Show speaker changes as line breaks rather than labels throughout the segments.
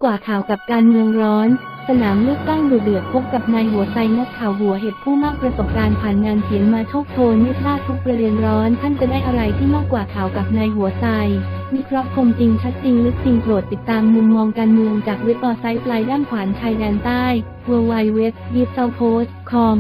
ว่าข่าวกับการเมืองร้อนสนามเลือกตั้งดุเดือดพบกับนายหัวไซนักข่าวหัวเห็ดผู้มากประสบการณ์ผ่านงานเขียนมาโชคโชนไม่พลาดทุกประเด็นร้อนท่านจะได้อะไรที่มากกว่าข่าวกับนายหัวไซวิเคราะห์คมจริงชัดจริงลึกจริงโปรดติดตามมุมมองการเมืองจากเว็บออไซต์ปลายด้านขวานชายแดนใต้ www.deepsouthpost.com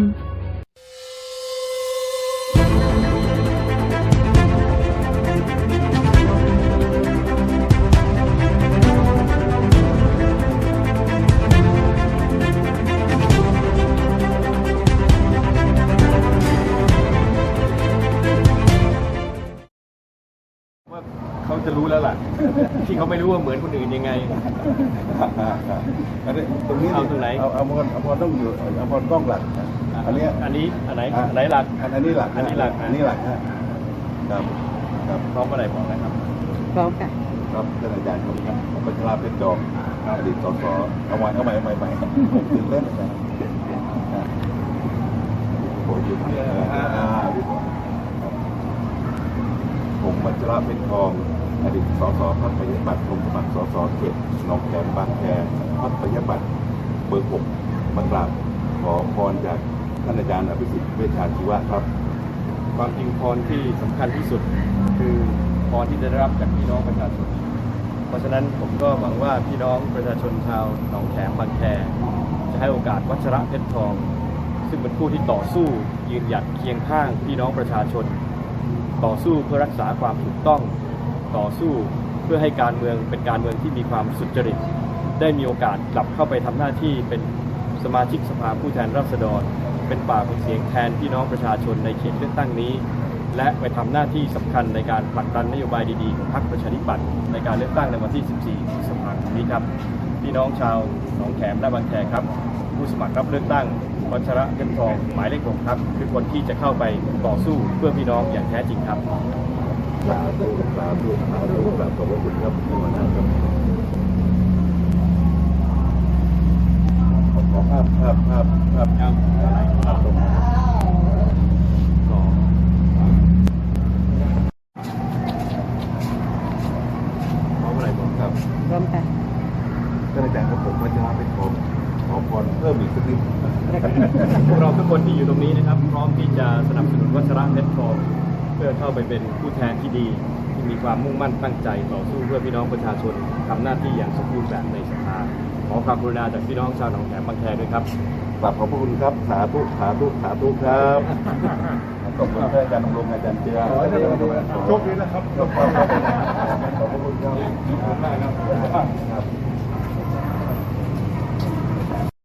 ว่าเขาจะรู้แล้วล่ะ ที่เขาไม่รู้ว่าเหมือนคนอื่นยังไง
อันนี้ตรงนี้
เอาตรงไหน
เอาพอต้องอยู่เอาพอกล้องหลักนะอันนี้
อันไหนหลัก
อันนี้หลัก
อันนี้หลัก
อันนี้หลักครับครับ
พร้อมอะไรบอกนะครับ
พร้อมค่ะ
ครับท่านอาจารย์ครับผมปัญชลาเพชรจอมอดีตสสเอาใหม่ตื่นเต้นอาจารย์โอ้ยอยู่พี่ผมปัญชลาเพชรทองอดีตสสพรรคประชาธิปัตย์ลงสมัครสสเขตหนองแขมบางแคพรรคประชาธิปัตย์เบอร์ 6 มากราบขอพรจากท่านอาจารย์อภิสิทธิ์เวชชาชีวะครับ
ความจริงพรที่สำคัญที่สุดคือพรที่จะได้รับจากพี่น้องประชาชน เพราะฉะนั้นผมก็หวังว่าพี่น้องประชาชนชาวหนองแขมบางแคจะให้โอกาสวัชระเพชรทอง ซึ่งเป็นผู้ที่ต่อสู้ยืนหยัดเคียงข้างพี่น้องประชาชน ต่อสู้เพื่อรักษาความถูกต้องต่อสู้เพื่อให้การเมืองเป็นการเมืองที่มีความสุจริตได้มีโอกาสกลับเข้าไปทำหน้าที่เป็นสมาชิกสภาผู้แทนราษฎรเป็นปากเป็นเสียงแทนพี่น้องประชาชนในเขตเลือกตั้งนี้และไปทำหน้าที่สำคัญในการผลักดันนโยบายดีๆของพรรคประชาธิปัตย์ในการเลือกตั้งในวันที่ 14 พฤษภาคมนี้ครับพี่น้องชาวหนองแขมและบางแคครับผู้สมัครรับเลือกตั้งวัชระเพชรทองหมายเลข 6 ครับคือคนที่จะเข้าไปต่อสู้เพื่อพี่น้องอย่างแท้จริงครับ
สาธุกราบขอบพระคุณครับที่มานั่งครับขอภาพตรง
อะไรบอกครับ
พร้อมค่ะ
ท่านอาจารย์ครับผมวัชระเพชรทองขอพรเพิ่มอีกสักนิด
พวกเราทุกคนที่อยู่ตรงนี้นะครับพร้อมที่จะสนับสนุนวัชระเพชรทองเพื่อเข้าไปเป็นผู้แทนที่ดีที่มีความมุ่งมั่นตั้งใจต่อสู้เพื่อพี่น้องประชาชนทำหน้าที่อย่างสมบูรณ์แบบในสภาขอความกรุณาจากพี่น้องชาวหนองแขมบางแคด้วยครับ
กราบขอบพระคุณครับสาธุครับขอบคุณท่านอาจารย์ดำรงอาจารย์เจียโชคดีนะครับขอบพระคุณครับ